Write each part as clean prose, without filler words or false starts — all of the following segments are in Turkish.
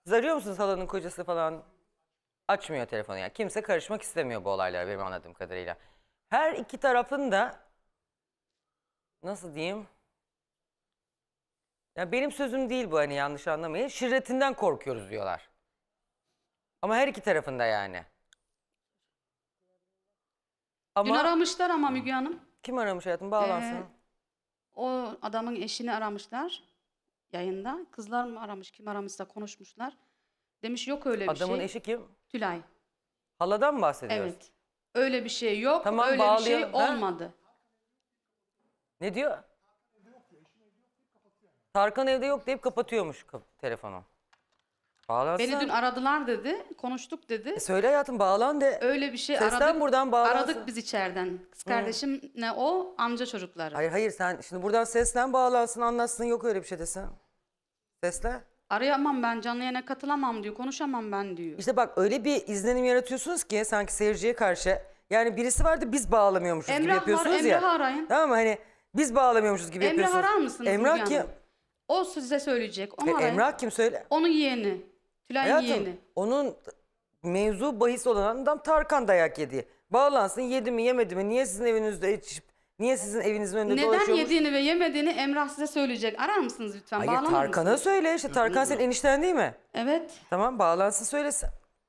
Siz arıyor musunuz halanın kocası falan? Açmıyor telefonu yani. Kimse karışmak istemiyor bu olaylara benim anladığım kadarıyla. Her iki tarafın da nasıl diyeyim? Ya benim sözüm değil bu, hani yanlış anlamayın. Şirretinden korkuyoruz diyorlar. Ama her iki tarafında yani. Dün Ama aramışlar ama Müge Hanım. kim aramış hayatım, bağlansın. O adamın eşini aramışlar yayında. Kızlar mı aramış, kim aramışsa konuşmuşlar. Demiş yok öyle bir Adamın şey. eşi kim? Tülay. Haladan mı bahsediyoruz? Evet. Öyle bir şey yok. Tamam, öyle bir şey bağlayalım, ha? olmadı. Ne diyor? Tarkan evde yok deyip kapatıyormuş telefonu. Bağlansın. Beni dün aradılar dedi. Konuştuk dedi. Söyle hayatım, bağlan de. Öyle bir şey Seslen aradık. buradan, bağlansın. Aradık biz içeriden. Kız kardeşimle o amca çocukları. Hayır sen şimdi buradan seslen, bağlansın, anlatsın, yok öyle bir şey desin. Seslen. Arayamam ben, canlı yayına katılamam diyor. Konuşamam ben diyor. İşte bak, öyle bir izlenim yaratıyorsunuz ki sanki seyirciye karşı. Yani birisi vardı, biz bağlamıyormuşuz gibi Emrah var, yapıyorsunuz ya. Emrah'ı arayın. Tamam mı, hani biz bağlamıyormuşuz gibi Emrah yapıyorsunuz. arar mısınız Emrah Müge kim? Hanım? O size söyleyecek. Onu arayın. Emrah kim, söyle. Onun yeğeni. Tülay'ın Hayatım, yeğeni. onun mevzu bahis olan adam Tarkan dayak yedi. Bağlansın, yedi mi yemedi mi, niye sizin evinizde içip, niye sizin evinizin önünde Neden dolaşıyormuş? yediğini ve yemediğini Emrah size söyleyecek. Arar mısınız lütfen? Hayır, Bağlanır Tarkan'a mısınız? söyle işte, Tarkan senin enişten değil mi? Evet. Tamam, bağlansın, söylesin.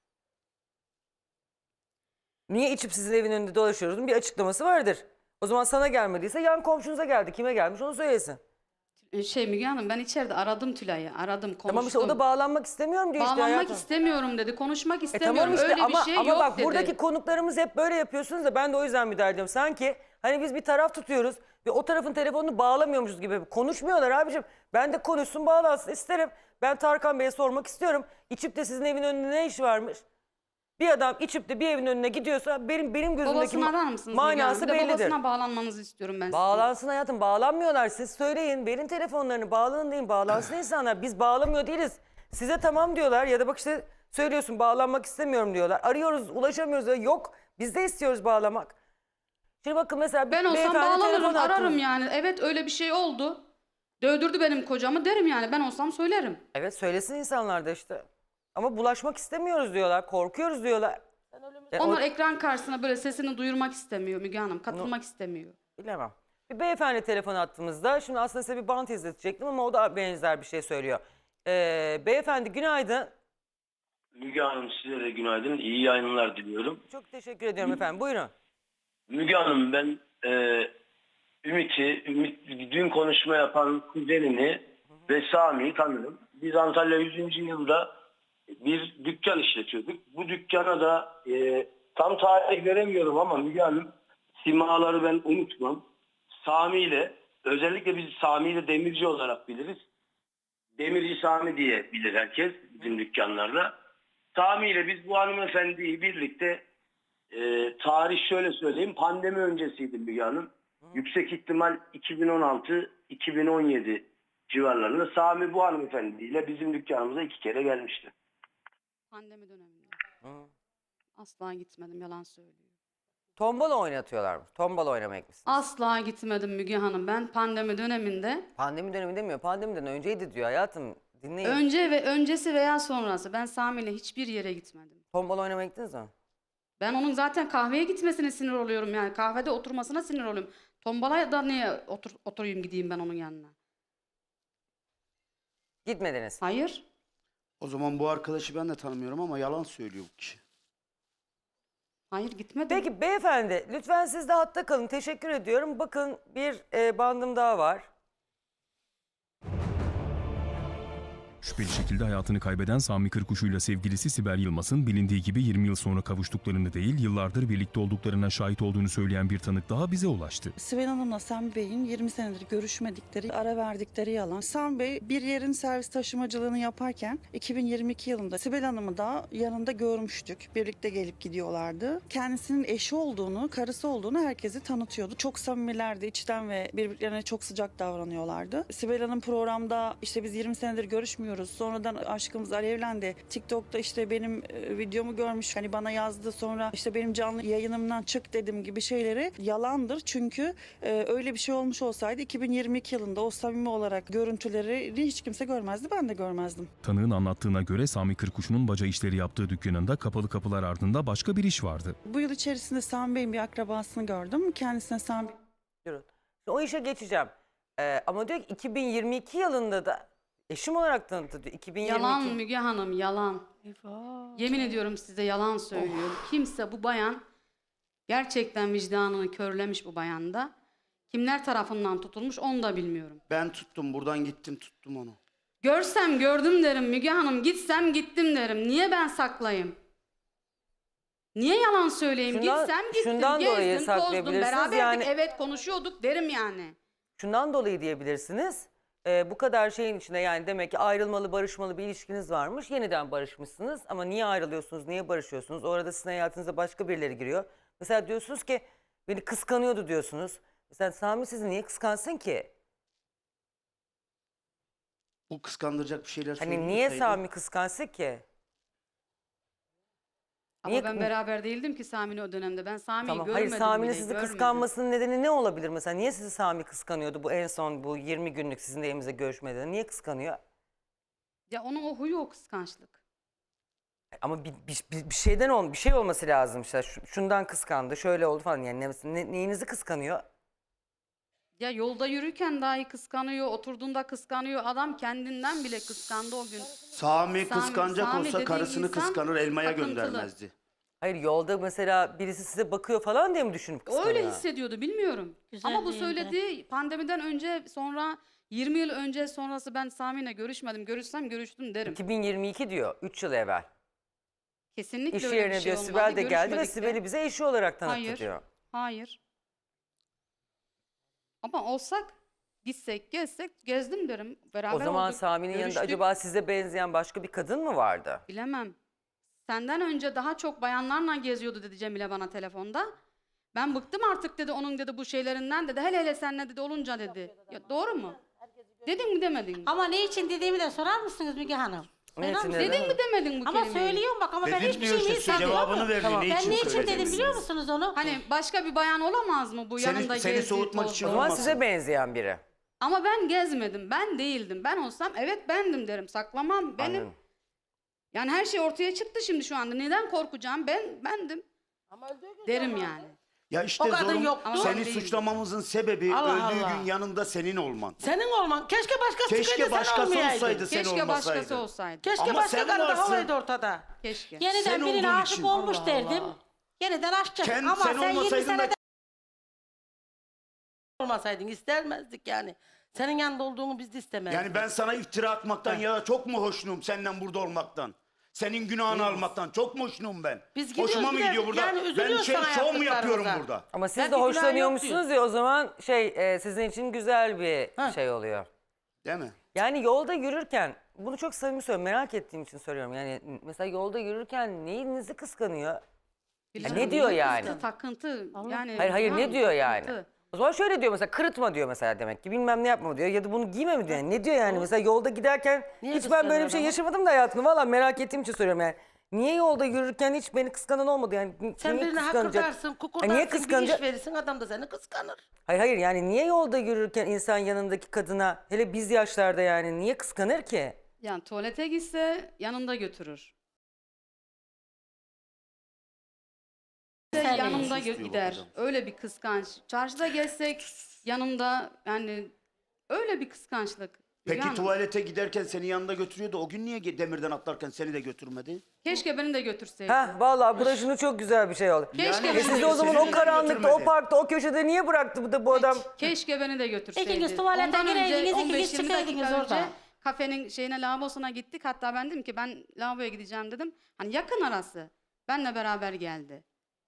Niye içip sizin evin önünde dolaşıyoruz? Bir açıklaması vardır. O zaman sana gelmediyse yan komşunuza geldi. Kime gelmiş onu söylesin. Müge Hanım, ben içeride aradım Tülay'ı. Aradım, konuştum. Tamam işte, o da bağlanmak istemiyorum diyor işte Bağlanmak hayatım. istemiyorum dedi. Konuşmak istemiyorum. Tamam işte, Öyle bir şey ama yok bak dedi. buradaki konuklarımız hep böyle yapıyorsunuz da ben de o yüzden müdahale ediyorum. Sanki hani biz bir taraf tutuyoruz ve o tarafın telefonunu bağlamıyormuşuz gibi. Konuşmuyorlar abicim. Ben de konuşsun, bağlansın isterim. Ben Tarkan Bey'e sormak istiyorum. İçip de sizin evin önünde ne işi varmış? Bir adam içip de bir evin önüne gidiyorsa benim gözümdeki Babasını arar mısınız Müge Hanım? manası Bir de bellidir. babasına bağlanmanızı istiyorum ben sizin. Bağlansın hayatım, bağlanmıyorlar. Siz söyleyin, verin telefonlarını, bağlanın deyin, bağlansın insanlar. Biz bağlamıyor değiliz. Size tamam diyorlar ya da bak işte söylüyorsun bağlanmak istemiyorum diyorlar. Arıyoruz, ulaşamıyoruz diyor. Yok, biz de istiyoruz bağlamak. Şimdi bakın mesela Ben olsam beyefendi bağlanırım, telefon attı. ararım yani. Evet, öyle bir şey oldu. Dövdürdü benim kocamı derim yani. Ben olsam söylerim. Evet, söylesin insanlar da işte. Ama bulaşmak istemiyoruz diyorlar, korkuyoruz diyorlar. Onlar ekran karşısına böyle sesini duyurmak istemiyor Müge Hanım. Katılmak istemiyor. Bilemem. Bir beyefendi telefon attığımızda, şimdi aslında size bir bant izletecektim ama o da benzer bir şey söylüyor. Beyefendi günaydın. Müge Hanım, size de günaydın. İyi yayınlar diliyorum. Çok teşekkür ediyorum efendim, buyurun. Müge Hanım, ben Ümit dün konuşma yapan kuzenini ve Sami'yi tanırım. Biz Antalya 100. yılda bir dükkan işletiyorduk. Bu dükkana da tam tarih veremiyorum ama Müge Hanım, simaları ben unutmam. Sami ile, özellikle biz Sami ile demirci olarak biliriz. Demirci Sami diye bilir herkes bizim dükkanlarda. Sami ile biz bu hanımefendiyi birlikte tarih şöyle söyleyeyim, pandemi öncesiydi Müge Hanım. Yüksek ihtimal 2016-2017 civarlarında Sami bu hanımefendiyle bizim dükkanımıza 2 kere gelmişti. Pandemi döneminde. Asla gitmedim, yalan söylüyor. Tombala oynatıyorlarmış. Tombala oynamak mısın? Asla gitmedim Müge Hanım. Ben pandemi döneminde Pandemi dönemi demiyor. Pandemiden önceydi diyor hayatım. Dinleyin. önce ve öncesi veya sonrası ben Sami'yle hiçbir yere gitmedim. Tombala oynamaya gittiniz mi? Ben onun zaten kahveye gitmesine sinir oluyorum yani. Kahvede oturmasına sinir oluyorum. Tombalaya da niye oturayım gideyim ben onun yanına? Gitmediniz. Hayır. O zaman bu arkadaşı ben de tanımıyorum ama yalan söylüyor bu kişi. Hayır, gitmedim. Peki beyefendi lütfen siz de hatta kalın. Teşekkür ediyorum. Bakın bir bandım daha var. Şüpheli şekilde hayatını kaybeden Sami Kırkuşu'yla sevgilisi Sibel Yılmaz'ın bilindiği gibi 20 yıl sonra kavuştuklarını değil, yıllardır birlikte olduklarına şahit olduğunu söyleyen bir tanık daha bize ulaştı. Sibel Hanım'la Sami Bey'in 20 senedir görüşmedikleri, ara verdikleri yalan. Sami Bey bir yerin servis taşımacılığını yaparken 2022 yılında Sibel Hanım'ı da yanında görmüştük. Birlikte gelip gidiyorlardı. Kendisinin eşi olduğunu, karısı olduğunu herkese tanıtıyordu. Çok samimilerdi, içten ve birbirlerine çok sıcak davranıyorlardı. Sibel Hanım programda işte biz 20 senedir görüşmüyoruz tanımıyoruz. Sonradan aşkımız alevlendi. TikTok'ta işte benim videomu görmüş. Hani bana yazdı, sonra işte benim canlı yayınımdan çık dedim gibi şeyleri yalandır. Çünkü öyle bir şey olmuş olsaydı 2022 yılında o samimi olarak görüntüleri hiç kimse görmezdi. Ben de görmezdim. Tanığın anlattığına göre Sami Kırkuşu'nun baca işleri yaptığı dükkanında kapalı kapılar ardında başka bir iş vardı. Bu yıl içerisinde Sami Bey'in bir akrabasını gördüm. Kendisine Sami Diyorum. O işe geçeceğim. Ama diyor ki 2022 yılında da eşim olarak tanıttı diyor. 2022. Yalan Müge Hanım, yalan. Yemin ediyorum size yalan söylüyorum. Kimse bu bayan gerçekten vicdanını körlemiş bu bayanda. Kimler tarafından tutulmuş onu da bilmiyorum. Ben tuttum, buradan gittim tuttum onu. Görsem gördüm derim Müge Hanım, gitsem gittim derim. Niye ben saklayayım? Niye yalan söyleyeyim? Şundan- Gitsem gittim, şundan dolayı gezdim, tozdum, saklayabilirsiniz. beraberdik, Yani- evet konuşuyorduk derim yani. Şundan dolayı diyebilirsiniz. Bu kadar şeyin içinde yani demek ki ayrılmalı, barışmalı bir ilişkiniz varmış. Yeniden barışmışsınız ama niye ayrılıyorsunuz, niye barışıyorsunuz? Orada sizin hayatınıza başka birileri giriyor. Mesela diyorsunuz ki beni kıskanıyordu diyorsunuz. Mesela Sami sizi niye kıskansın ki? Bu kıskandıracak bir şeyler Hani niye söylüyorsaydı- Sami kıskansın ki? Ama Niye- ben beraber değildim ki Sami'nin o dönemde. Ben Sami'yi Tamam. görmedim Hayır, Sami'nin bile, sizi görmedim. kıskanmasının nedeni ne olabilir mesela? Niye sizi Sami kıskanıyordu bu en son bu 20 günlük sizin de evimize görüşmeden? Niye kıskanıyor? Ya onun o huyu o kıskançlık. Ama bir şeyden bir şey olması lazım işte. Şundan kıskandı, şöyle oldu falan. Yani neyinizi kıskanıyor? Ya yolda yürürken dahi kıskanıyor, oturduğunda kıskanıyor. Adam kendinden bile kıskandı o gün. Sami kıskanacak Sami olsa dediğin karısını insan kıskanır, elmaya takıntılı. göndermezdi. Hayır, yolda mesela birisi size bakıyor falan diye mi düşünüp kıskanıyor? Öyle hissediyordu bilmiyorum. Ama bu söylediği pandemiden önce sonra 20 yıl önce sonrası ben Sami'yle görüşmedim. Görüşsem görüştüm derim. 2022 diyor, 3 yıl evvel. Kesinlikle İş öyle bir yerine şey diyor olmadı. Sibel de geldi ve Görüşmedik de. Sibel'i bize eşi olarak tanıttı Hayır. diyor. Hayır. Ama olsak, gitsek, gezsek gezdim derim. Beraber O zaman olduk, Sami'nin yanında görüştük. acaba size benzeyen başka bir kadın mı vardı? Bilemem. Senden önce daha çok bayanlarla geziyordu dedi Cemile bana telefonda. Ben bıktım artık dedi onun dedi bu şeylerinden dedi. Hele hele seninle dedi olunca dedi. Ya doğru mu? Dedin mi demedin mi? Ama ne için dediğimi de sorar mısınız Müge Hanım? Ne Sorar için mısınız? dedin? Dedin mi demedin bu Ama kelimeyi? söylüyorum bak ama ben Dedim hiçbir diyor şeyimi işte, saklamam. cevabını verdi. Tamam. Ne Ben için ne için dedim söylediniz? biliyor musunuz onu? Hani başka bir bayan olamaz mı bu yanında Seni gezdiği, soğutmak tozduğu? için O zaman olmasın. size benzeyen biri. Ama ben gezmedim. Ben değildim. Ben olsam evet bendim derim. Saklamam. Benim. Anladım. Yani her şey ortaya çıktı şimdi şu anda. Neden korkacağım? Bendim. Derim yani. Ya işte O kadın zorun, yoktu. seni Değil. suçlamamızın sebebi Allah öldüğü Allah. gün yanında senin olman. Senin olman. Keşke başkası Keşke çıkaydı sen başkası olmayaydın. olsaydı sen Keşke olmasaydın. başkası olsaydı. Keşke Ama başka sen karı daha varsın. olaydı ortada. Keşke. Yeniden Sen birine olduğun aşık için. olmuş Allah derdim. Allah. Yeniden aşacak. Sen Ama sen 20 olmasaydın da senede olmasaydın istemezdik yani. Senin yanında olduğunu biz de istemezdik. yani ben sana iftira atmaktan ya çok mu hoşnum senden burada olmaktan? Senin günahını almaktan çok mu hoşnum ben? Biz gidiyoruz, Hoşuma mı bir de gidiyor burada? yani Ben üzülüyoruz sana şov mu yapıyorum yaptıklarımıza. burada? Ama siz Belki de günah hoşlanıyormuşsunuz yok ya o zaman sizin için güzel bir Ha. şey oluyor. Değil mi? Yani yolda yürürken bunu çok samimi söylüyorum, merak ettiğim için soruyorum. Yani mesela yolda yürürken neyinizi kıskanıyor? Bilmem ne diyor neyin yani? kızdı, takıntı. Yani, Hayır ne tamam, diyor yani? takıntı. O zaman şöyle diyor mesela, kırıtma diyor mesela, demek ki bilmem ne yapma diyor ya da bunu giyme mi diyor. Yani ne diyor yani mesela yolda giderken Niye hiç ben böyle bir kıskanıyor şey adamı? yaşamadım da hayatımda, valla merak ettiğim için soruyorum yani. Niye yolda yürürken hiç beni kıskanan olmadı yani? Sen niye birine kıskanacak? hakırdarsın, Ha, kukurdarsın, niye bir kıskanacak? iş verirsin adam da seni kıskanır. Hayır yani niye yolda yürürken insan yanındaki kadına, hele biz yaşlarda yani niye kıskanır ki? Yani tuvalete gitse yanında götürür. Sen Yanımda istiyor bu gider. kadın. Öyle bir kıskanç. Çarşıda gezsek yanımda yani öyle bir kıskançlık. Peki Yani tuvalete giderken seni yanında götürüyordu. O gün niye demirden atlarken seni de götürmedi? keşke beni de götürseydi. Heh vallahi bu da şimdi çok güzel bir şey oldu. Keşke Yani beni Siz de de o zaman Seni o de karanlıkta, o götürmedi. parkta, o köşede niye bıraktı bu adam? Keşke beni de götürseydi. İkiniz tuvalete Ondan önce gireydiniz, 15-20 ikiniz dakika çıkaydınız önce orada. kafenin şeyine, lavabosuna gittik. Hatta ben dedim ki ben lavaboya gideceğim dedim. Hani yakın arası. Benle beraber geldi.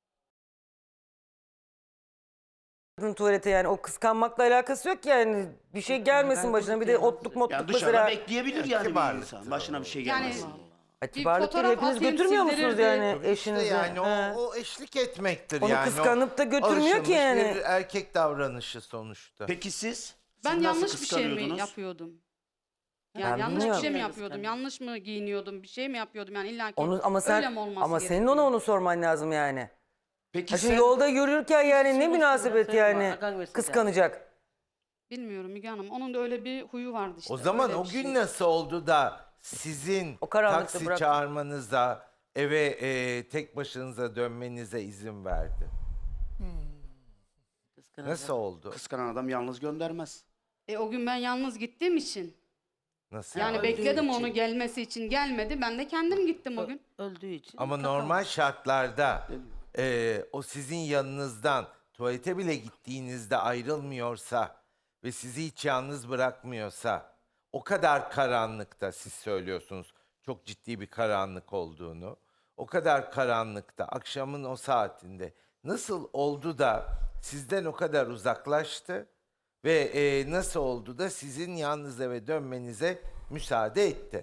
Kadın tuvalete yani o kıskanmakla alakası yok ki yani. Bir şey gelmesin başına, bir de otluk motluk Yani dışarıda mesela. bekleyebilir yani bir Kibarlıktır insan. Başına bir şey Yani gelmesin. Ay, kibarlık değil, fotoğraf hepiniz atayım, götürmüyor musunuz sildirirdi. yani İşte eşinizi? yani He. o eşlik etmektir Onu yani. kıskanıp da O götürmüyor ki alışılmış yani. bir erkek davranışı sonuçta. Peki siz? Ben Siz nasıl yanlış bir şey mi kıskanıyordunuz? yapıyordum? Yani Ben yanlış bir bilmiyorum. şey mi yapıyordum? Yanlış mı giyiniyordum? Bir şey mi yapıyordum? Yani illa ki Onu, ama sen, öyle mi olması ama senin gerekiyor? ona onu sorman lazım yani. Peki Ha şimdi sen yolda yürürken yani ne Sürü münasebet sürü yani var, akan mesele. kıskanacak. Bilmiyorum Müge Hanım. Onun da öyle bir huyu vardı işte. O zaman öyle o bir gün şey. nasıl oldu da sizin O karanlıkta taksi bıraktın. çağırmanıza, eve tek başınıza dönmenize izin verdi? Kıskanacak. Nasıl oldu? kıskanan adam yalnız göndermez. O gün ben yalnız gittiğim için. Nasıl? Yani yani? bekledim için. onu gelmesi için, gelmedi. Ben de kendim gittim o gün. Öldüğü için. Ama takamadı. normal şartlarda o sizin yanınızdan tuvalete bile gittiğinizde ayrılmıyorsa ve sizi hiç yalnız bırakmıyorsa, o kadar karanlıkta, siz söylüyorsunuz çok ciddi bir karanlık olduğunu, o kadar karanlıkta akşamın o saatinde nasıl oldu da sizden o kadar uzaklaştı ve nasıl oldu da sizin yalnız eve dönmenize müsaade etti?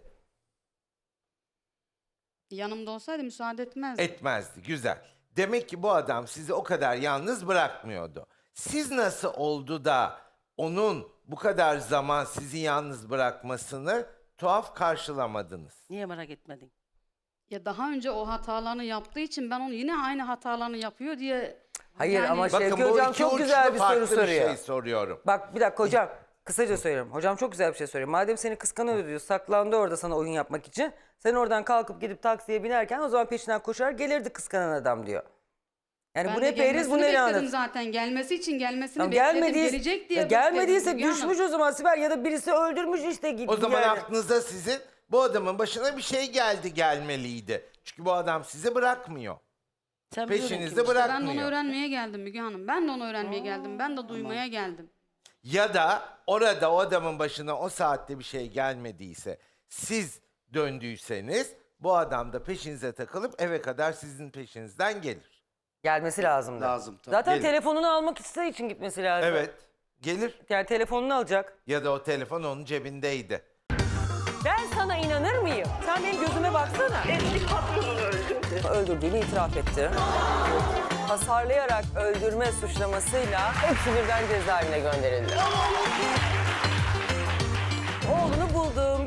Yanımda olsaydı müsaade etmezdi. Etmezdi. Güzel. Demek ki bu adam sizi o kadar yalnız bırakmıyordu. Siz nasıl oldu da onun bu kadar zaman sizi yalnız bırakmasını tuhaf karşılamadınız? Niye merak etmedin? Ya daha önce o hatalarını yaptığı için ben onu yine aynı hatalarını yapıyor diye... Hayır Yani- ama Bakın Şevki bu hocam iki çok uçlu güzel bir soru farklı soruyor. bir şey soruyorum. Bak bir dakika hocam. Kısaca söylüyorum. Hocam çok güzel bir şey söylüyor. Madem seni kıskanıyor diyor. Saklandı orada sana oyun yapmak için. Sen oradan kalkıp gidip taksiye binerken o zaman peşinden koşar gelirdi kıskanan adam diyor. Yani Ben bu de ne periz gelmesini bu ne bekledim lanet. zaten. Gelmesi için gelmesini Tamam, bekledim. gelmediyse, Gelecek diye gelmediyse bekledim Müge Hanım. düşmüş o zaman Sibel ya da birisi öldürmüş işte gibi. O zaman yani. aklınıza sizin bu adamın başına bir şey gelmeliydi. Çünkü bu adam sizi bırakmıyor. Sen biliyordun Peşinizde kim işte. Ben de bırakmıyor. onu öğrenmeye geldim Müge Hanım. Ben de onu öğrenmeye geldim. Ben de duymaya geldim. Ya da orada o adamın başına o saatte bir şey gelmediyse, siz döndüyseniz bu adam da peşinize takılıp eve kadar sizin peşinizden gelir. Gelmesi lazımdı. Lazım, tabii. Zaten Gelir. telefonunu almak istediği için gitmesi lazım. Evet, gelir. Yani telefonunu alacak. Ya da o telefon onun cebindeydi. Ben sana inanır mıyım? Sen benim gözüme baksana. Eski patronunu öldürdü. Öldürdüğünü itiraf etti. Hasarlayarak öldürme suçlamasıyla hepsi birden cezaevine gönderildi. Oğlunu buldum.